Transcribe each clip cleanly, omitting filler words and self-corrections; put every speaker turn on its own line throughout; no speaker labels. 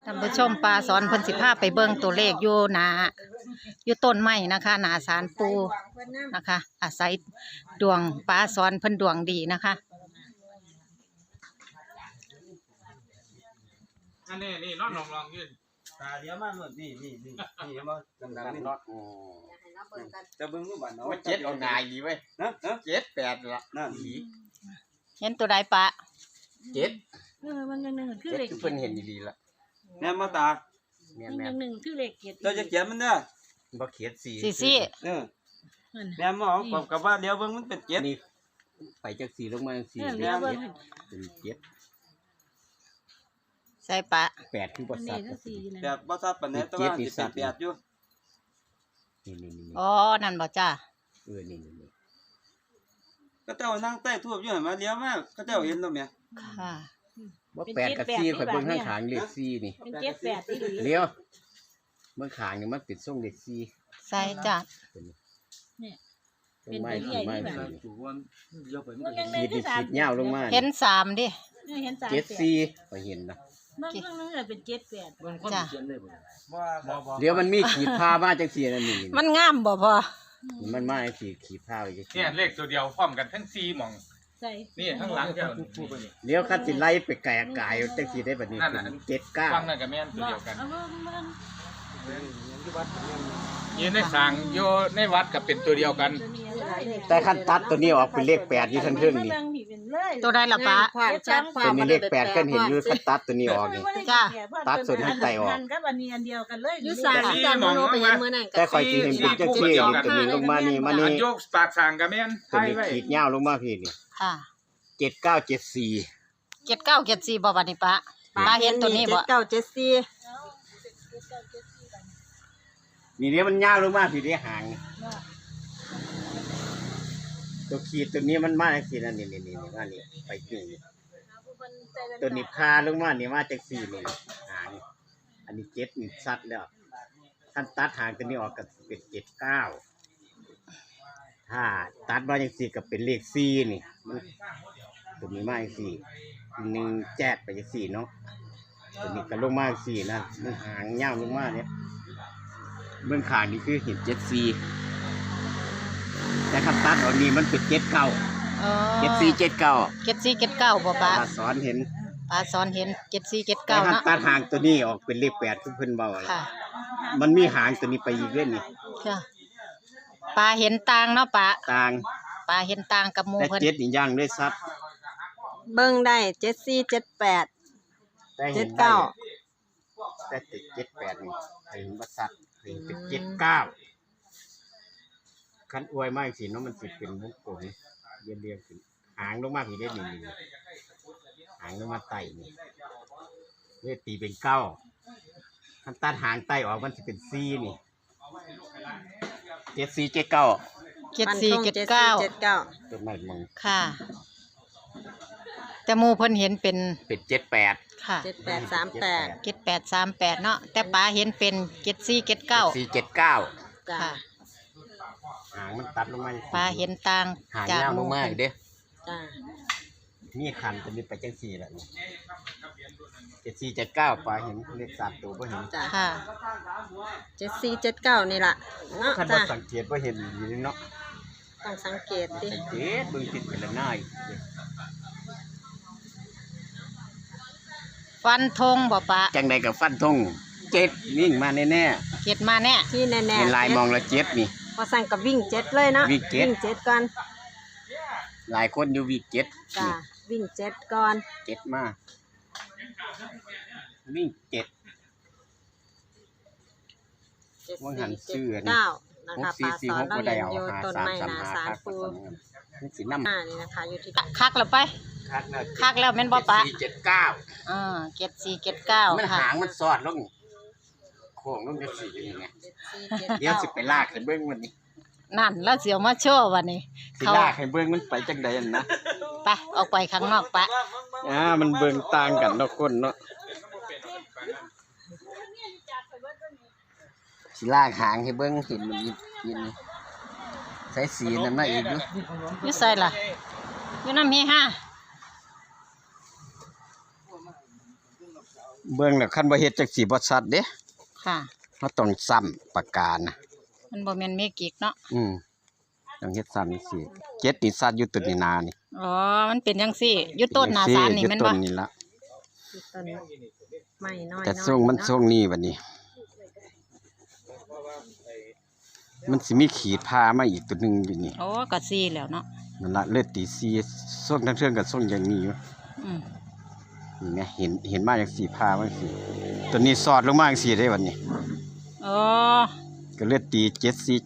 ท่านผู้ชมปลาสอนเพิ่นสิพาไปเบิ่งตัวเลขอยู่อยู่ต้นไม้นะคะหน้าศาลปูนะคะ อาศัยดวงปลาสอนเพิ่นดวงดีนะคะ
อันนี้นอนลองยืน
ตาเดียวมาหมดนี่มาดำๆนี่เนาะจะเบิ่งรูปบ้านเนาะ
ว่าเจ็ดเอานายดีเว้ย
นะ
เจ็ดแปดละ
นั่น
เห็นตัวใดปะ
เจ็ด
มันหนึ่งคือ
เจ็ด
เลข
เพิ่นเห็นดีๆละ
แม่มาตา
แม่
หนึ่งคือเลขเกียรติ
เราจะเขียนมันเด้อ
บ่เขียนสี่
ซี่
แม่หมอกับว่าเดี๋ยวเบิ่งมันเป็นเจ็ด
นี่ไปจากสี่ลงมาสี่
เลี้ยวเบิ้ง
เป็นเจ็ด
ใส่ปะ
แปดคือบ่
นี่
สัตว์
ก็สี่นะ
แบบบ่ทราบปานใดแต่ว่าสิเป็นแปดอยู่
นี่
อ๋อนั่นบ่จ้า
นี่
ก็เจ้านั่งใต้ทูบอยู่หั่นมาเลี้ยวมาก็เจ้าเห็นแล้วแม่
ค่ะ
บ่แปดกับสี่ข่อยเบิ่งข้างขางเลขสี่นี่
เป็นเจ็ดแปดที่ดี
เลี้ยวเมื่อขางนี่มันเป็นทรงเลขสี่
ใส่จ้า
เนี่ย
ลงมาสี่มาสี่
ถูกวันเลี้ยวไป
มันยัง
ขีดนี่ขีดยาวลงมา
เห็นสามดิ
เห็นสาม
เจ็ดสี่ข่อยเห็นนะ
มันเป็นเจ็ดแปด
จ้า
เดี๋ยวมันมีขีดผ้ามาจังสี่นั่นนี่
มันงามบ่พอ
มันมาขีดผ้าไว้จังซี่
เนี่ยเลขตัวเดียวพร้อมกันทั้ง4หม่อง
ใส่
นี่ข้างหลังเจ้า
เดี๋ยวคันสิไล่ไปแก่กายจังซี่ได้บัดนี้
นั่นน่ะ
7
ฟังนั่นก็แม่นตัวเดียวกัน
เอาเบิ้ง
ยืนในสางโยในวัดก็เป็นตัวเดียวกัน
ตัวนี้อะไรเลข
แต่คันตัดตัวนี้ออกเป็นเลข8อยู่ทั้งเทิงนี่
ตัวใดล่ะปะ
ความชัด
ตัวนี้เลข8คันเห็นอยู่คันตัดตัวนี้ออกนี่ ตัดส่วนให้ไตออก
กับอันนี้อันเดียวกันเลย
ยุสานสามโมโนไปยังมื้อนั้น
แต่ข่อยสิเห็นเป็นจังซี่นี่ตัวนี้ลงมานี่มานี่
อันโยกปากสางก็แม่น
ตัว
ไทย
นี้
ไว้
ขีดยาวลงมาพี่นี่
ค่ะ
7974
7974บ่บัดนี้ปะปะเห็นตัวนี้บ่
นี่เดี๋ยวมันยาวลงมาพี่ได้หางนี่ตัวขีดตัวนี้มันมาจังซี่นั่นนี่มานี่ไปนี่ตัวนี้พาลงมานี่มาจังซี่นี่หางอันนี้7นี่ชัดแล้วท่านตัดหางตัวนี้ออกก็เป็น79ถ้าตัดมาจังซี่ก็เป็นเลข4นี่มันตัวนี้มาจังซี่1แจ๊ดไปจังซี่เนาะตัวนี้ก็ลงมาจังซี่นะมันหางยาวลงมาเนี่ยเบื้องข้างนี่คือเห็น74แต่คันตัดออกนี่มันเป็น79
อ๋อ
7479
7479บ่ปะ
ตาสอนเห็น
ปลาสอนเห็น
แต่
7479
คัน
เนาะ
ตัดหางตัวนี้ออกเป็นเลข8คือเพิ่นเว้าอะ
ค่ะ
มันมีหางตัวนี้ไปอีกเรื่องนี่
ค่ะปลาเห็นต่างเนาะปะ
ต่าง
ปลาเห็นต่างกับหมู่
แต่
เพิ่น
เจ็ดนี่ย่างด้วยซับ
เบิ่งได้7478
แต่เห็น
79
แต่ติด78นี่เห็นบ่ซับเห็นเป็น79คันอวยมากสิเนาะมันสิเป็นวงกลมเรียงๆขึ้นหางลงมาพี่ได้นี่หางลงมาไต่นี่เลยตีเป็น9คันตัดหางไต่ออกมันสิเป็น4นี่7479
7479
เป็นไม้มง
ค่ะ แต่หมู่เพิ่นเห็นเป็น
เป็น78
ค่ะ
7838
7838เนาะแต่ปลาเห็นเป็น7479
479
จ้า
ค่ะ
หางมันตัดลงมา
ปลาเห็นต่าง
หาง
จาก
ยาว
ห
ล
มู่
งมา
เพิ่
อี
น
กเด้
จ้า
นี่คันจะมีไปจัง4แล้วนี่7479ปลาเห็นเลข3ตัวบ่เห็น
จ้า
ค่ะ
7479นี่ล่ะเนาะ
คันบ่
จ้า
สังเกตบ่เห็นอยู่นี่เนาะ
ต้องสังเกตดิ
สังเกตเบิ่งติดเป็นละนาย
ฟันธงบ่ปะ
จังใดก็ฟันธง7วิ่งมาแน่
เก็ดมาแน่
ที่แน่
ๆ
ๆ
เป็นลายมองละ7นี่
พอสั่งกับวิ่ง7เลยเนาะ
วิ่งเจ็ด
7ก่อน
หลายคนอยู่วิ่ง7
จ้าวิ่ง7ก่อน
7มาวิ่ง7 ว่าหันชื่ออันนี้
7479นะคะปลาสอนเราเรียนอยู่ต้นไม้นาสารปู
มันสินำ
นี่นะคะอยู่ที่
คักแล้วไป คักแล้วแม่นบ่ปะ
7479
7479
มัน
ค่ะ
หางมันสอดลงโค้งลงจังซี่นี่ไงเดี๋ยวสิไปลากให้เบิ่งมันนี่
นั่นแล้วเสียวมาโชว์วันนี้
สิ
เขา
ลากให้เบิ่งมันไปจังใดนั่นนะ
ไปออกไปข้างนอกปะ
มันเบิ่งต่างกันเนาะคนเนาะสิลากหางให้เบิ่งเห็นมันยินใส่สีนั่นมาอีกอยู่
อยู่ไสล่ะอยู่นำเฮฮา
เบิ่งแล้วคันบ่เฮ็ดจังสิบ่ชัดเด้
ค่ะ
เราต้องซ้ำปากกานะ
มันบ่แม่นเมกิกเนาะ
ต้องเฮ็ดซ้ำจังซี่เจ็ดนี่ชัดอยู่ต้นนี่นานี่
อ๋อมันเป็นจังซี่อยู่ต้นหน้าศาลนี่แม่น
อยู่
บ่
ต้นนี่ละ
ต้นไม้น้อย
แต่ทรงมันทรงนี้บัดนี้ มันสิมีขีดพามาอีกตัวหนึงอยู่นี่
โอ้ก็ซี่แล้วเนาะ
นั่นละเลือดตีซีส่งทั้งเทื่องกับส่งอย่างนี้อยู่
อืม
นี่แหมเห็นมาจังซี่พามาจังซี่ตัวนี้สอดลงมาจังซี่ได้บัดนี้
อ๋อ
ก็เลือดตี7479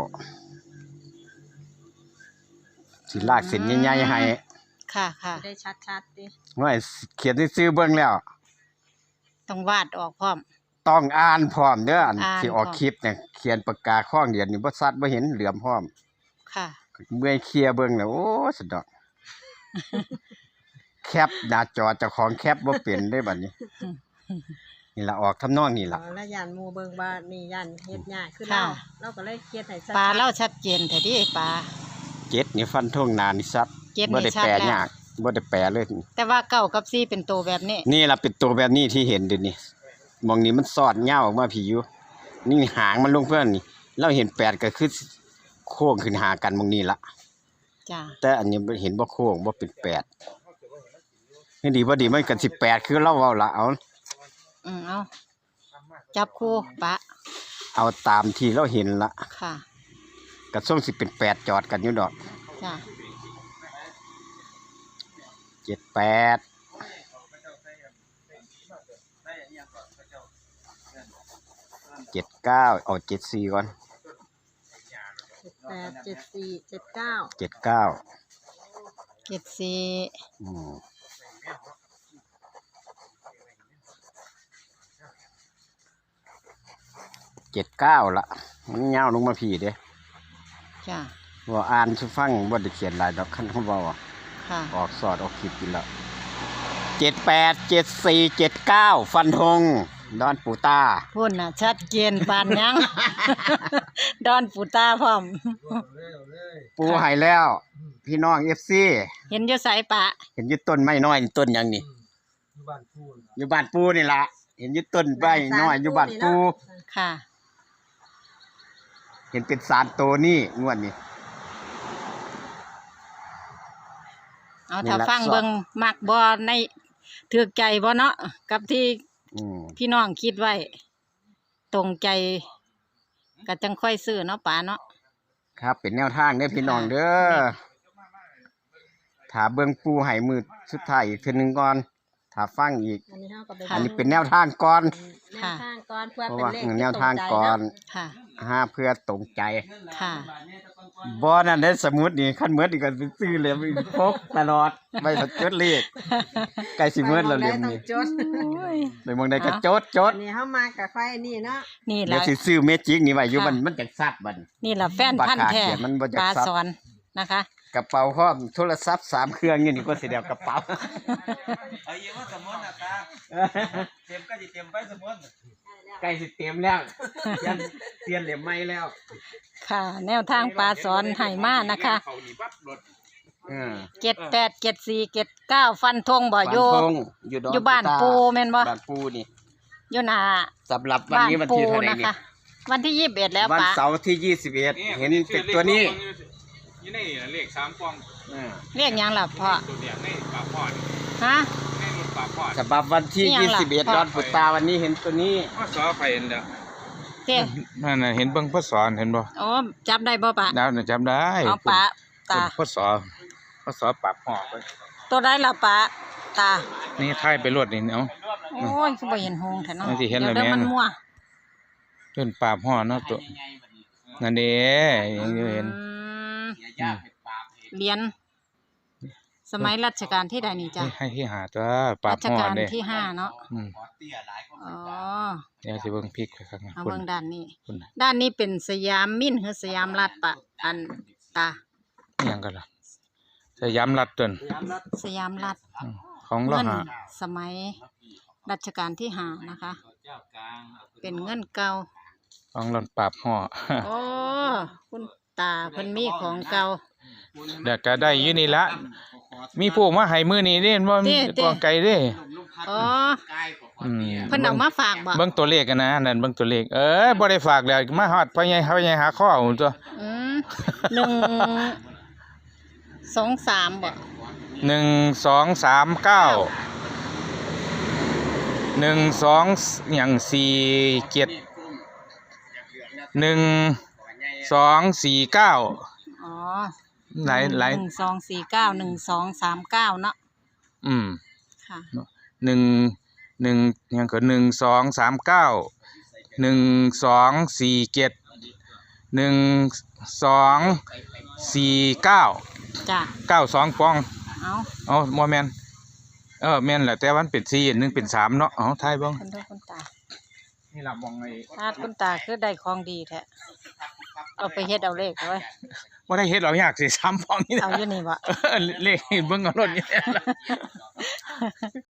สิลากเส้นใหญ่ๆให้
ค่ะค่ะ
ได้ชัดๆดิ
ว่าเขียนซื่อๆเบิ่งแล้ว
ต้องวาดออกพร้อม
ต้องอ่านพร้อมเด้ออัน
อ่าน
ที่ออก
พร้อม
คลิปเนี่ยเขียนปากกาข้องเดียวนี่บ่ชัดบ่เห็นเหลือมพร้อม
ค่ะ
เมื่อยเคลียร์เบิ่งแล้วโอ้สะดอก แคปหน้าจอเจ้าของแคปบ่เป็นได้บัดนี้ นี่ล่ะออกทำนองนี่ล่ะ
แล้วยันหมู่เบิ่งว่านี่ยันเฮ็ดยากขึ้น
ค่ะ
เราก็เลยเขียนให้ชัด
ปลาเล่าชัดเจนแท้ดิปลา
เจ็ดนี่ฟันทงหนานี่ซัด
เจ็ด
บ่
นี่
ได้
ชัด
แปล
แล้ว
ยากบ่ได้แปลเลย
แต่ว่าเก้ากับซี่เป็นตัวแบบนี้
นี่ล่ะเป็นตัวแบบนี้ที่เห็นเดี๋ยวนี้มองนี้มันสอดยาวออกมาพี่อยู่นี่หางมันลงเพื่อนนี่เราเห็นแปดก็คือโค้งขึ้นหากันมองนี้ละ
จ้า
แต่อันนี้เห็นบ่โค้งบ่เป็นแปดนี่ดีบ่ดีมันกัน18คือเราเว้าละเอา
เอาจับคู่ปะ
เอาตามที่เราเห็นละ
ค่ะ
กระส่งสิเป็น8จอดกันอยู่ดอก
จ้า
78 79เอา74ก่อน
8 7 4 7 9
79
เจ็ดสี่
อืม79ละมันยาวลงมาพี่เด้
จ้า
ว่าอ่านสิฟังบ่ได้เขียนหลายดอกคันเขาเว้าอะ
ค่ะ
ออกสอดออกคลิปอยู่แล้ว787479ฟันธงดอนปูตา
พุ่นน่ะชัดเจนปานยัง ดอนปูตาพร้อม
ปูให้แล้ว พี่น้อง FC
เห็นอยู่ไสปะ
เห็นอยู่ต้นไม้น้อยนี่ต้นหยังนี่อยู่บ้านปูนี่ล่ะเห็นอยู่ต้นไม้น้อยอยู่บ้านปู
ค่ะ
เห็นเป็นสารโตนี่งวดนี้
เอา
นี่
ถ้า
ละ
ฟัง
สอบ
เบิ่งมักบ่ในถูกใจบ่เนาะกับที่
อืม
พี่น้องคิดไว้ ตรงใจก็จังค่อยซื้อเนาะป๋าเนาะ
ครับเป็นแนวทางเด้อพี่น้องเด้อถ้าเบิ่งปูให้มือสุดท้ายอีกเทื่อนึงก่อนถ้าฟังอีก
อันนี้เฮาก็ไป
อันนี้เป็นแนวทางก่อน
แนวทางก่อนเพื่อ
เพราะ
เป็น
ว่า
เลข
แนวทางก่อน
ค่ะ
เพื่อตรงใจ
ค่ะ
บ่นั่นได้สมมุตินี่คันเมิดนี่ก็สิซื้อเลยพกตลอดไว้ถ้าจดเลขใกล้สิเมิดแล้วเล่มนี้
จด
ไปเมืองใดก็จด
อันนี้เฮามากับไฟนี่เนาะ
นี่
เดี๋ย
ล่ะ
วสิซื้อเมจิกนี่ไว้อยู่
ค่ะ
มันจักซัดบัด
นี่ล่ะแฟนพันธุ์แท้
ปากกาเขียนมันบ่จัก
ปลา
ซับ
สอนนะคะ
กระเป๋าพร้อมโทรศัพท์3เครื่องอยู่นี่ก็สิได้เอากระเป๋า
เอาเยอะว่าสมมุตินะตาเต็มก็สิเต็มไปสมมุติ
ใกล้สิเต็มแล้วเปลี่ยนเหลี่ยมใหม่แล้ว
ค่ะ แนวทางปลาสอนให้มานะคะ
เขานี่ปั๊บรถ
787479ฟันธงบ่อยู่
ฟันธงอยู่ดอน
อยู่บ้านปูแม่นบ่
บ้านปูนี่
อยู่หน้า
สำหรับวัน
บ้าน
นี้วัน
ปู
ที่เท่าไหร่
นะ
นี่
คะ วันที่21แล้ว
วัน
ป๋า
เสาร์ที่21เห็นเป็นตัวนี้
อยู่ในเลข3กล่อง
เรียกหยังล่ะพ่อ
ตัวเดียวในปากพอด
ฮะ
ในรถปากพอด
ฉบับวันที่
นี่ยังล่ะ
21ดอนปุตตาวันนี้เห็นตัวนี้
พ่อสอไปเห็นเด้อ
เต้
นั่นน่ะเห็นเบิ่งพ่อสอนเห็นบ่
โอ้จับได้บ่ป๋า
ดาวน่ะจำได้
เอาป๋าตา
พ่อสอปากหอกไป
ตัวได้ละป๋าตา
นี่ท้ายไปรถนี่เนาะ
โอ้ยคือบ่เห็นหงส์แท้เนาะ
มันสิเห็น
ดี๋ยว
แล้วแม่
มันมั่ว
จนปากหอเนาะตัวนั่นเด้ยังอยู่เห็น
เหรียญสมัยรัชกาลที่ใดนี่จ้ะ
ให้ที่หาตัวปา
รั
ก
ช
หอก
าล
เด้
ที่5เนาะ
อืม
อ๋อ
เดี๋ยวสิเบิ่งพริกไปข้างหน้า
เอา
คุณ
เบิ่งด้านนี้
คุณน่ะ
ด้านนี้เป็นสยามมิ้นหรือสยามรัฐปะอันตา
อิหยังกันล่ะสยามรัฐต้น
สยามรัฐ
อืมของเรา
เงิน
หา
สมัยรัชกาลที่5นะคะ เป็นเงินเก่า
ของเราปราบหอ
โอ้คุณตาเพิ่นมีของเก่า
เดี๋ยวก็ได้อยู่นี่ละมีผู้มาให้มื้อนี้เด้บ่มีกองไก่เด้
อ๋อ
อืม
เพิ่นเอามาฝากบ่
เบิ่งตัวเลขกันนะนั่นเบิ่งตัวเลขบ่ได้ฝากแล้วมาฮอดพ่อใหญ่หาข้อเอาตัว
อืมหนึ่งสองสามบ่
1 2 3 9 1 2หยัง4 7 1 2 4 9
อ๋อ
หลาย
1249 1239เนาะ
อืม
ค่ะ
หนึ่งหยังก็1 2 3 9 1 2 4 7 1 2 4 9
จ้ะ
92ปอง
เอา
บ่แม่นแม่นแหละแต่ว่ามันเป็น4อันหนึงเป็น3เนาะเอาทายเบิ่ง
คนด้วยคนตา
นี่ล่ะมองไอ้
ทาดคนตาคือได้ของดีแท้เอาไปเฮ็ดเอาเลขเอาไว้
บ่ได้เฮ็ดหรอกอยากสิ3ปองนี่
เอาอยู่นี่บ่
เลขเบิ่งเอารถนี่